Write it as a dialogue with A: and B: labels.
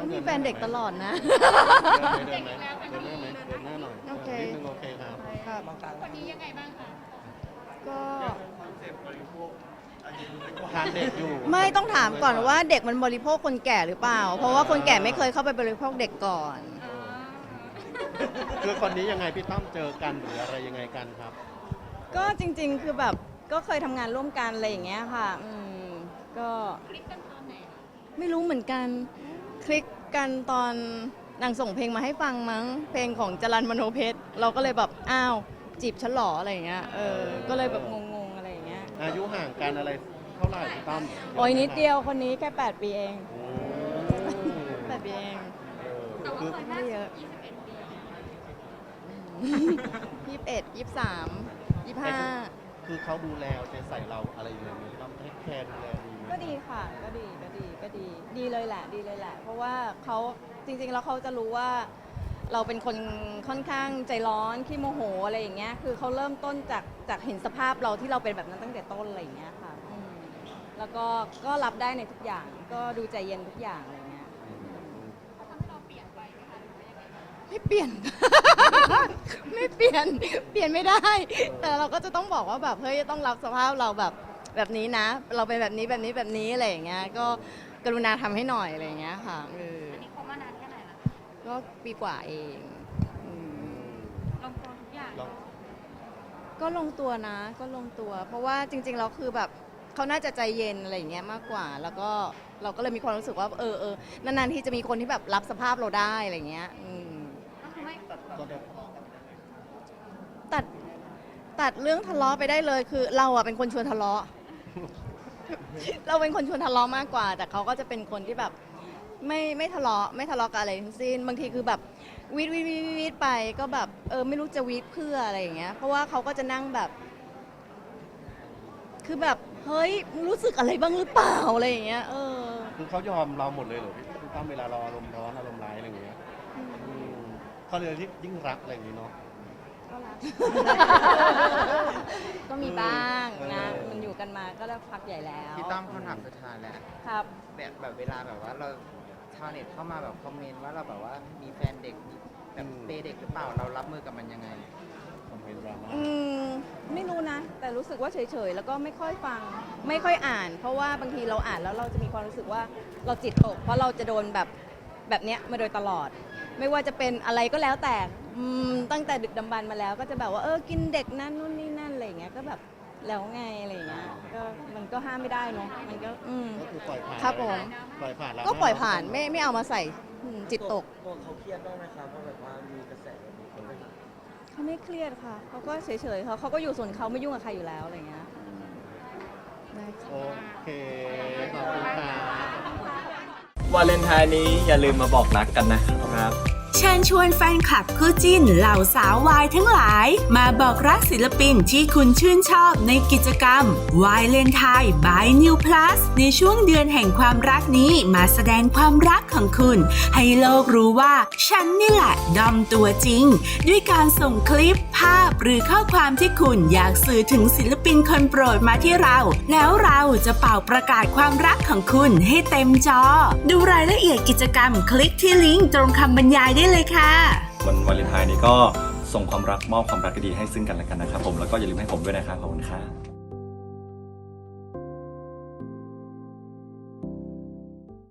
A: มีแฟนเด็กตลอดนะ
B: เดินไหมเดินไหมเดินหน้าไหมเดินหน้าหน่อย
A: โอเค
B: นิดนึงโอเคครับ
A: ครับ
C: คนนี้ยังไงบ้างคะ
A: ก็
B: ทานเด็กอยู่
A: ไม่ต้องถามก่อนว่าเด็กมันบริโภคคนแก่หรือเปล่า เพราะว่าคนแก่ไม่เคยเข้าไปบริโภคเด็กก่อน
B: คือคนนี้ยังไงพี่ตั้มเจอกันหรืออะไรยังไงกันครับ
A: ก็จริงๆ คือแบบก็เคยทำงานร่วมกันอะไรอย่างเงี้ยค่ะก็
C: คลิกกันตอนไหนคะ
A: ไม่รู้เหมือนกันคลิกกันตอนนางส่งเพลงมาให้ฟังมั้งเพลงของจรัญมโนเพชรเราก็เลยแบบอ้าวจีบฉันเหรออะไรอย่างเงี้ยก็เลยแบบงงๆอะไรอย่างเงี้ย
B: อายุห่างกันอะไรเท่าไหร่พี่ตั้ม
A: โอ้ยนิดเดียวคนนี้แค่8 ปีเอง
B: โอ้
A: 8 ปีเอง
C: แต่ว่า
B: คือ
C: เคย
A: ไม่เยอะ
C: 21 ปี
A: 21 23 25
B: คือเขาดูแลเอาใจใส่เราอะไรอย่างเงี้ยพี่ตั้มให้แคร์ดูแลดีไหม
A: ก็ดีค่ะก็ดีดีเลยแหละดีเลยแหละ เพราะว่าเขาจริงๆแล้วเขาจะรู้ว่าเราเป็นคนค่อนข้างใจร้อนขี้โมโหอะไรอย่างเงี้ยคือเขาเริ่มต้นจากเห็นสภาพเราที่เราเป็นแบบนั้นตั้งแต่ต้นอะไรอย่างเงี้ยค่ะแล้วก็รับได้ในทุกอย่างก็ดูใจเย็นทุกอย่างอะไรเงี้ย
C: เขาทำให้เราเปลี่ยนไปไหมคะหรือว่ายังไงบ้าง
A: ไม่เปลี่ยน ไม่เปลี่ยนไม่ได้ แต่เราก็จะต้องบอกว่าแบบเฮ้ยต้องรับสภาพเราแบบนี้นะ เราเป็นแบบนี้อะไรอย่างเงี้ยก็กรุณาทำให้หน่อยอะไรอย่างเงี้ยค่ะ
C: อันนี้คบมานานแค่ไหนละ
A: ก็ปีกว่าเองอืม
C: ลงตัวทุกอย่าง
B: ลอง
A: ก็ลงตัวนะก็ลงตัว เพราะว่าจริงๆเราคือแบบเขาน่าจะใจเย็นอะไรอย่างเงี้ยมากกว่า แล้วก็เราก็เลยมีความรู้สึกว่านานๆที่จะมีคนที่แบบรับสภาพเราได้อะไรอย่างเงี้ย
C: ก็คือไม่
B: ก็ได้
A: ตัดเรื่องทะเลาะไปได้เลยคือเราอะเป็นคนชวนทะเลาะ เราเป็นคนชวนทะเลาะมากกว่า แต่เขาก็จะเป็นคนที่แบบไม่ทะเลาะกับอะไรทั้งสิ้นบางทีคือแบบวีดไปก็แบบไม่รู้จะวีดเพื่ออะไรอย่างเงี้ยเพราะว่าเขาก็จะนั่งแบบ คือแบบเฮ้ยรู้สึกอะไรบ้างหรือเปล่าอะไรอย่างเงี้ย
B: คือเขายอมเราหมดเลยเหรอพี่ตั้มเวลาเราอารมณ์ร้อนอารมณ์ร้ายอะไรอย่างเงี้ยเขาเลยที่ยิ่งรักอะไรอย่างงี้เนาะ
A: ก็รัก ก็มีบ้างนะมันอยู่กันมาก็ได้พักใหญ่แล้ว
D: พี่ตั้มคำถามสุดท้ายแล้ว
A: ครับ
D: แบบเวลาแบบว่าเราชาวเน็ตเข้ามาแบบคอมเมนต์ว่าเราแบบว่ามีแฟนเด็กแบบเปย์เด็กหรือเปล่าเรารับมือกับมันยังไง
B: คอมเมนต์ดราม่า
A: ไม่รู้นะ แต่รู้สึกว่าเฉยๆแล้วก็ไม่ค่อยฟังไม่ค่อยอ่าน เพราะว่าบางทีเราอ่านแล้วเราจะมีความรู้สึกว่าเราจิตตก เพราะเราจะโดนแบบเนี้ยมาโดยตลอด ไม่ว่าจะเป็นอะไรก็แล้วแต่ตั้งแต่ดึกดำบรรพ์มาแล้วก็จะแบบว่ากินเด็กนั่นนู่นนี่นั่นอะไรอย่างเงี้ยก็แบบแล้วไงอะไรอย่างเงี้ยก็มันก็ห้ามไม่ได้เนาะมันก็
B: ก็คือปล่อยผ่าน
A: ครับผม
B: ปล่อยผ่านแล้ว
A: ก็ปล่อยผ่านไม่เอามาใส่จิตตก
E: ตัวเขาเครียดบ้างไหมครับว่าแบบว่ามีกระแสแบบนี้เข้าไปหา
A: เขาไม่เครียดค่ะเขาก็เฉยๆเขาก็อยู่ส่วนเขาไม่ยุ่งกับใครอยู่แล้วอะไรอย่างเงี้ยได้ค่ะ
B: โอเคขอบคุณค่ะ
E: วาเลนไทน์นี้อย่าลืมมาบอกรักกันนะครับ
F: เชิญชวนแฟนคลับคู่จิ้นเหล่าสาววายทั้งหลาย มาบอกรักศิลปินที่คุณชื่นชอบในกิจกรรม วายเลนไทน์ by New Plus ในช่วงเดือนแห่งความรักนี้มาแสดงความรักของคุณ ให้โลกรู้ว่าฉันนี่แหละดอมตัวจริง ด้วยการส่งคลิปภาพหรือข้อความที่คุณอยากสื่อถึงศิลปินคนโปรดมาที่เรา แล้วเราจะเป่าประกาศความรักของคุณให้เต็มจอ ดูรายละเอียดกิจกรรมคลิกที่ลิงก์ตรงคำบรรยายได้เลยค่ะ
G: วันวาเลนไทน์นี้ก็ส่งความรักมอบความรักดีๆให้ซึ่งกันและกันนะครับผมแล้วก็อย่าลืมให้ผมด้วยนะครับขอบคุณครับ